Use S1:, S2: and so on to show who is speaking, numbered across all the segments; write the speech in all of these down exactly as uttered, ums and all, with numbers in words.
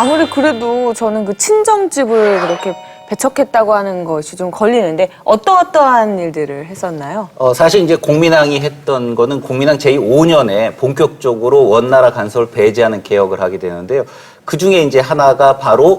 S1: 아무리 그래도 저는 그 친정집을 그렇게 배척했다고 하는 것이 좀 걸리는데 어떠어떠한 일들을 했었나요?
S2: 어, 사실 이제 공민왕이 했던 거는 공민왕 제이오 년에 본격적으로 원나라 간섭을 배제하는 개혁을 하게 되는데요. 그 중에 이제 하나가 바로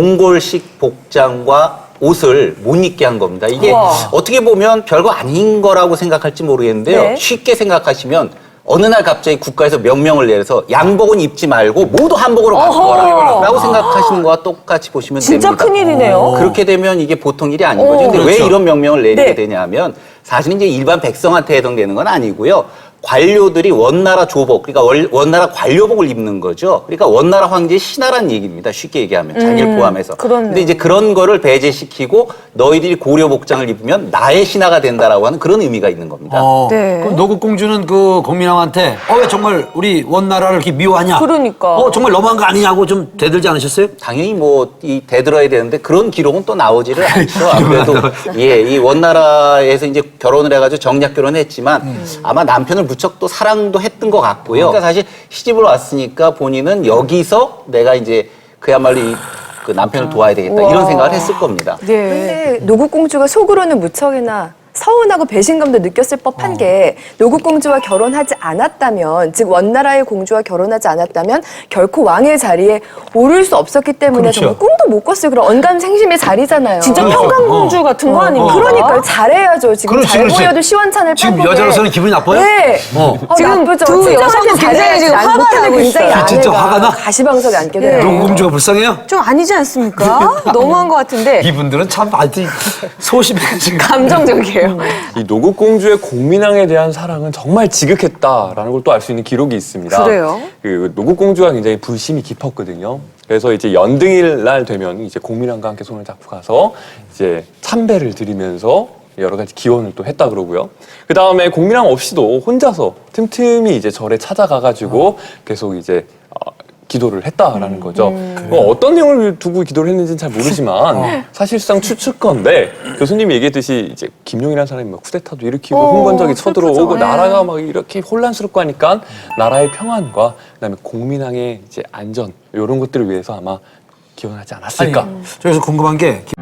S2: 몽골식 복장과 옷을 못 입게 한 겁니다. 이게
S1: 우와.
S2: 어떻게 보면 별거 아닌 거라고 생각할지 모르겠는데요.
S1: 네.
S2: 쉽게 생각하시면 어느 날 갑자기 국가에서 명령을 내려서 양복은 입지 말고 모두 한복으로 바꿔라 라고 생각하시는 거와 똑같이 보시면
S1: 진짜
S2: 됩니다.
S1: 큰일이네요.
S2: 그렇게 되면 이게 보통 일이 아닌
S1: 오.
S2: 거죠. 근데 왜
S3: 그렇죠.
S2: 이런 명령을 내리게
S1: 네.
S2: 되냐면 사실 이제 일반 백성한테 해당되는 건 아니고요. 관료들이 원나라 조복, 그러니까 원, 원나라 관료복을 입는 거죠. 그러니까 원나라 황제의 신하란 얘기입니다. 쉽게 얘기하면 자기를
S1: 음,
S2: 포함해서.
S1: 그렇네요.
S2: 근데 이제 그런 거를 배제시키고 너희들이 고려 복장을 입으면 나의 신하가 된다라고 하는 그런 의미가 있는 겁니다.
S3: 어,
S1: 네.
S3: 그럼 노국공주는 그 공민왕한테 어, 왜 정말 우리 원나라를 이렇게 미워하냐?
S1: 그러니까.
S3: 어, 정말 너무한 거 아니냐고 좀 대들지 않으셨어요?
S2: 당연히 뭐 이 대들어야 되는데 그런 기록은 또 나오지를 않죠. 아무래도 예, 이 원나라에서 이제 결혼을 해가지고 정략 결혼했지만
S3: 음.
S2: 아마 남편을 무척 또 사랑도 했던 것 같고요. 그러니까 사실 시집을 왔으니까 본인은 여기서 내가 이제 그야말로 이, 그 남편을 도와야 되겠다
S1: 우와.
S2: 이런 생각을 했을 겁니다.
S1: 네.
S4: 근데 노국공주가 속으로는 무척이나 서운하고 배신감도 느꼈을 법한
S3: 어.
S4: 게 노국공주와 결혼하지 않았다면, 즉 원나라의 공주와 결혼하지 않았다면 결코 왕의 자리에 오를 수 없었기 때문에
S3: 그렇죠.
S4: 정말 꿈도 못 꿨어요. 그런 언감생심의 자리잖아요.
S1: 진짜
S3: 그렇죠.
S1: 평강공주
S3: 어.
S1: 같은 거
S3: 어,
S1: 아닙니까?
S4: 그러니까요. 잘해야죠. 지금
S3: 그렇지,
S4: 잘
S3: 그렇지.
S4: 보여도 시원찮을
S3: 지금
S4: 팔복에.
S3: 여자로서는 기분이 나빠요?
S4: 네.
S3: 어.
S4: 어,
S1: 지금
S4: 나쁘죠.
S1: 두
S4: 진짜
S1: 여성분
S4: 어떻게
S1: 굉장히
S4: 잘해야지
S1: 지금
S4: 안
S1: 화가
S4: 못하는
S1: 나고
S4: 굉장히
S1: 있어요.
S3: 진짜
S4: 아내가
S3: 화가 나?
S4: 가시방석에 앉게
S1: 네.
S4: 돼요.
S3: 노국공주가 불쌍해요?
S1: 좀 아니지 않습니까? 너무한 것 같은데
S3: 이분들은 참 아주 소심해가지고.
S1: 감정적이에요.
S5: 이 노국공주의 공민왕에 대한 사랑은 정말 지극했다라는 걸 또 알 수 있는 기록이 있습니다.
S1: 그래요?
S5: 그 노국공주가 굉장히 불심이 깊었거든요. 그래서 이제 연등일 날 되면 이제 공민왕과 함께 손을 잡고 가서 이제 참배를 드리면서 여러 가지 기원을 또 했다 그러고요. 그 다음에 공민왕 없이도 혼자서 틈틈이 이제 절에 찾아가가지고 계속 이제 어, 기도를 했다라는 거죠. 어, 어떤 내용을 두고 기도를 했는지는 잘 모르지만 사실상 추측건데 교수님이 얘기했듯이 이제 김용이라는 사람이 막 쿠데타도 일으키고
S1: 어,
S5: 흥건적이
S1: 슬프죠.
S5: 쳐들어오고
S1: 네.
S5: 나라가 막 이렇게 혼란스럽고 하니까 나라의 평안과 그다음에 공민왕의 이제 안전 이런 것들을 위해서 아마 기원하지 않았을까.
S3: 아니, 저기서 궁금한 게